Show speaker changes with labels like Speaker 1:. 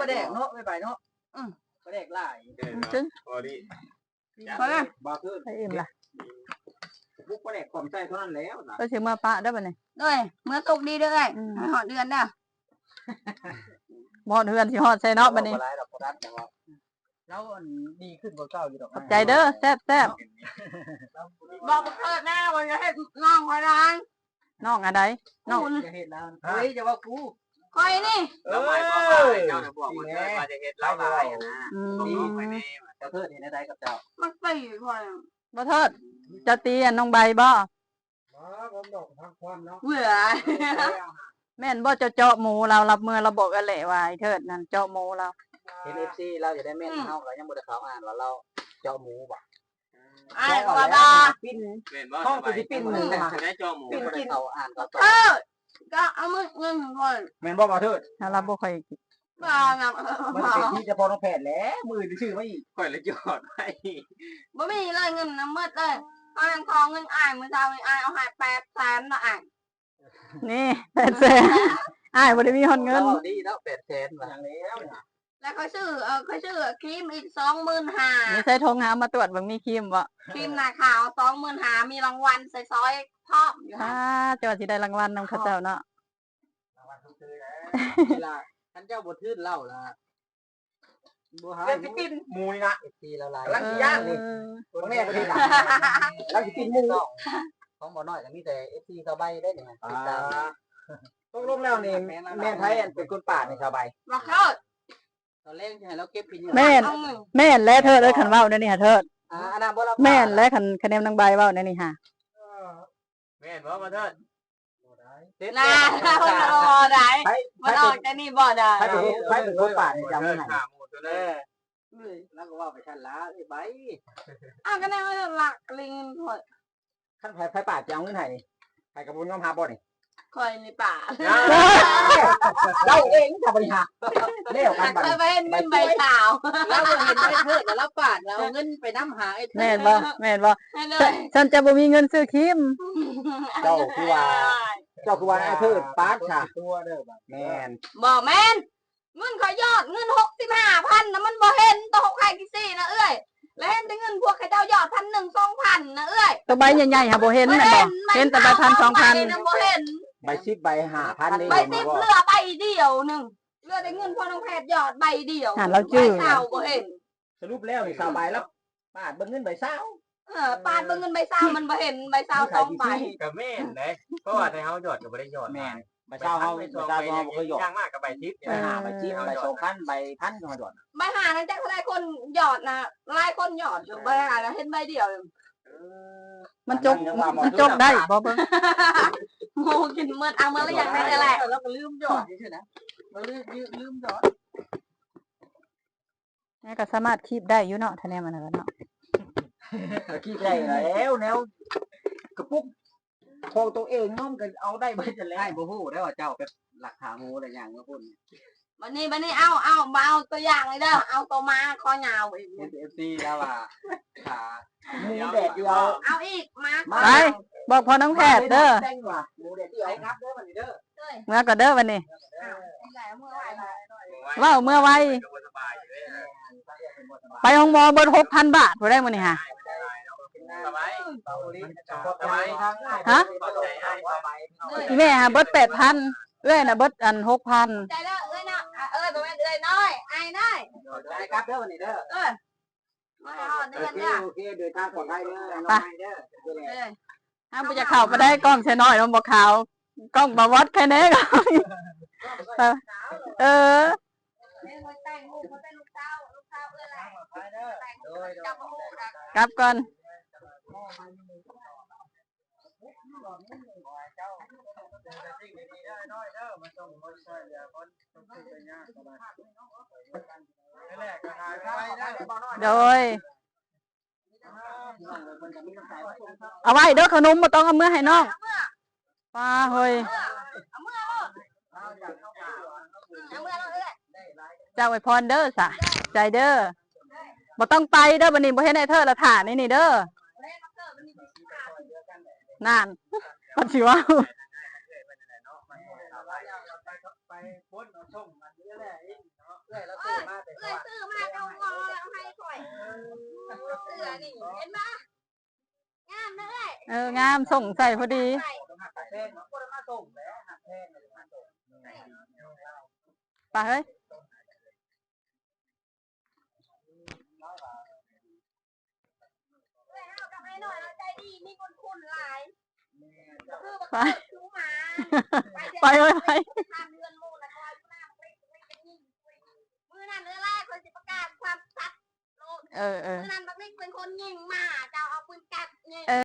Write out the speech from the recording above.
Speaker 1: ประเด็กเนาะไม่ไปเนาะประเด็กหลาย
Speaker 2: จึง
Speaker 3: พอดี
Speaker 1: พอแล้วบ่คือ
Speaker 2: ไปอิ่มละ
Speaker 1: บุกประเด็กความใจเท่านั้นแล้วนะ
Speaker 2: ก็สิมาปะได้บ่นี่
Speaker 4: ด้วยเมื่อตกดีด้วยหอดเดือนเด้อ
Speaker 2: บ่เฮือนสิฮอดใส่เนาะบัดนี้
Speaker 1: แล้วดีขึ้นกว่าเก่าอยู่ดอก
Speaker 2: ขอบใจเด้อแซ่บ
Speaker 4: บอกเกิดแน่วันจะให้น้องคอยร้าน
Speaker 2: น้องอะไรน้อง
Speaker 1: จะเห็นแล้วเฮ้ยจะว่ากู
Speaker 4: คอยนี่
Speaker 3: แล้วไม่ก็เจ้าบอกว่าจะเฮ็ดแล้วได้นะดีไปแน่
Speaker 1: เจ้าเทิดเห็นได้กับเจ้า
Speaker 4: มันตีคอย
Speaker 2: บ่เทิดจะตีน้องใบบ่
Speaker 1: ผมดอกทางความเนาะ
Speaker 4: เบื่อ
Speaker 2: แม่นบ่เจาะหมูเรารับมือเราบอกกันแหละว่าไอ้เทิดนั่นเจาะหมูเรา
Speaker 1: เห็น FC เราจะได้แม่นเฮาก็ยังบ่ได้เขาอ่านว่าเราเจาะหมูบ่
Speaker 4: ก็ว่า
Speaker 1: ปิ้นห้องสิปิ้นหมู
Speaker 3: จะได้จอหมู
Speaker 1: ปิ้นกินเขาอ่านก็
Speaker 4: ก็เอามือเงินคอย
Speaker 1: แม่นบ่บ่เทิด
Speaker 2: เราบ่ค่อย
Speaker 4: บ้านะ
Speaker 1: มันเป็นที่จะพอน้องแพทย์แล้วมือชื่อไม่
Speaker 3: ค่อยละยอดไป
Speaker 4: บ่มีเลยเงินน้ำมืดเลยเอาทองเงินอ้ายมื้อเช้าอ้ายเอาให้800,000น่ะอ้าย
Speaker 2: นี่800,000อ้ายบ่ได้มีฮอดเงิน
Speaker 1: ดีแล้ว800,000ว่าแล้ว
Speaker 4: แล้วเขาซื้อครีมอีก25,000
Speaker 2: นี่ใส่ธงหามาตรวจเบิ่งมีครีมบ่
Speaker 4: ครีมหน้าขาว25,000มีรางวัลใส่ซอยพร้อมอยู่ค่ะ
Speaker 2: จังว่าสิได้รางวัลนำเขาเจ้าเนาะ
Speaker 1: รางวัลทุกคืนเวลาท่านเจ้าบ่ทื่นเล่าล่ะบ่หาสิกินหมูนี่นะFCละลายกำลังสิย่างนี่บ่แน่บ่ดีล่ะแล้วสิกินหมูของบ่น้อยก็มีแต่ FC สบายได้นี่ติดตามต้องลงแล้วนี่แม่ไผอันเป็นคนป่านี่สบาย
Speaker 4: บ่เข้า
Speaker 1: ตอนแรกจะให้เราเก็บกิน
Speaker 2: แม่นและเทิดเอ้ยคันเว้าเนี่ยนี่ฮะเทิด
Speaker 1: อันนั้นบ่รับ
Speaker 2: แม่นและคันแนมนางใบเว้าเนี่ยนี่ฮะ
Speaker 3: แม่นบ่มาเถิด
Speaker 4: น่าบ่ได้มันออกแต่นี่บ่ได้
Speaker 1: ไปเป็นคนป่านี่จำให้แล้วก็ว่าไปชั้นละไอ้ใบ
Speaker 4: ก็แน่ว่าหลักลิงพอ
Speaker 1: ขั้นไผป่าจะเอาเงินให้นี่ไผกับบุญยอมหาบ่นี่
Speaker 4: คอยในป่า
Speaker 1: เราเองจะบริหารเลี้ยวกัน
Speaker 4: ไปเห็นเงินใบขาว
Speaker 1: แล้วเห็นไอ้เทิดแล้วป่านเราเงินไปน้ำหาไอ้
Speaker 2: แม่นบ่ฉันจะบ่มีเงินซื้อครีม
Speaker 1: เจ้าคือว่าไอ้เทิดปาดค่ะตัวเด้อแม่น
Speaker 4: บ่แม่นเงินขอยอดเงิน65,000นะมันบ่เห็นตัว6ใครกี่ซี่นะเอ้ยแล้วเห็นแต่เงินพวกเขาเจ้ายอด1,000 2,000นะเอ้ย
Speaker 2: ตัวใบใหญ่ๆหาบ่เห็นแม่นบ่เห็นแต่ใบ1,000 2,000
Speaker 4: บ่เห็น
Speaker 1: ใบ10ใบ5,000นี่
Speaker 4: ใบ10เหลือใบเดียวนึงเหลือได้เงินพอน้องแพทย์ยอดใบเดียว
Speaker 2: เราจื้อ
Speaker 4: เช้าบ่เห็น
Speaker 1: สรุปแล้วนี่2ใบแล้วปาดเบิ่งเงินใบเช้า
Speaker 4: ปาดเบิ่งเงินใบเช้ามันบ่เห็นใบเช้า2ใบ
Speaker 3: ก็แม่นเด้เพราะว่าในเฮายอดก็บ่ได้ยอด
Speaker 1: แม่นใบเช้าเฮาบ่เคยยอด
Speaker 3: ย่างมากกับใบ10
Speaker 1: ใบ5ใบ10ใบ2,000ใบ1,000ก็ยอด
Speaker 4: ใบ5นั่นจักเท่าใดคนยอดนะหลายคนยอดอยู่ใบ5แล้วเห็นใบเดียว
Speaker 2: มันจกได้บ่เบิ่ง
Speaker 4: โง่กินเมื่อเอาเมื่อแล้วอย่างนั้นแหละ
Speaker 1: แล้วก็ลืมยอดนี่ใช่นะมันลืมยอด
Speaker 2: นี่ก็สามารถคีบได้อยู่เนาะถ้าแนมอันนั้นเนาะ
Speaker 1: คีบได้แล้วแนวกระปุกของตัวเองน้อมกันเอาได้เบิดจะแล้วบ่ฮู้ได้ว่าเจ้าเป็นหลักฐานหมูอะไรอย่างเงี้ยพุ่น
Speaker 4: บัดนี้เอาตัวอย่างเลยเด้อเอาตัวมาคอยาวอีก
Speaker 1: FC แล้วว่าขาหมูแดดเดียว
Speaker 4: เอาอีกมา
Speaker 2: ไปบอกพอน้องแพทย์เด้อ
Speaker 1: หมูแดดเดียวครับเด้อวันนี้เด้อ
Speaker 2: เมื่อก็เด้อวันนี้ว้าวเมื่อไวไปห้องหมอเบิด 6,000 บาทบ่ได้มื้อนี้ฮะฮะอีแม่ฮะเบิด 8,000เอ้ยน่ะเบิดอัน 6,000
Speaker 4: ใจแล้วเอ้ยนะบ่แม่นเอ้ยน้อยไอ้น้อย
Speaker 1: ได้ครับเด้อวันนี้เด้อ
Speaker 4: มาฮอดเดือนเด้อ
Speaker 1: โอเคเดินทางปลอดภัยเด้อน้อยเด้อ
Speaker 2: ห้ามบ่จะเข้าบ่ได้กล้องใช้น้อยมันบ่ขาวกล้องบ่วัดแค่นี้ก็กลับก่อนโดยเอาไว้เด้อขนมบ่ต้องเอาเมื่อให้น้องป้าเฮ้ยเจ้าไว้พรเด้อสะใจเด้อบ่ต้องไปเด้อบัดนี้บ่เห็นไอ้เธอละถ่านี่เด้อนั่นปัดสิว่า
Speaker 1: ไปพ้นเอาส่งมันนี่แหละเนาะเอ้ยแล้ว
Speaker 4: สื้อนี่เห็นปะงามเลย
Speaker 2: งามส่งใส่พอดี
Speaker 1: แพงมันก็มาส่งแล้วหักแพงเลยมาส่ง
Speaker 2: ไปเฮ้ย
Speaker 4: กับไอ้หน่อยใจดีมีคนคุณหลายคือ
Speaker 2: ไป
Speaker 4: ซื้อมา
Speaker 2: ไปเลยไป
Speaker 4: ทำเงินมูลนะคอยหน้ามือนั่นเนื้อแรกคนสิประกาศความชัดมือนั่นบักนิกเป็นคนยิงมาเจ้าเอาปืนกัด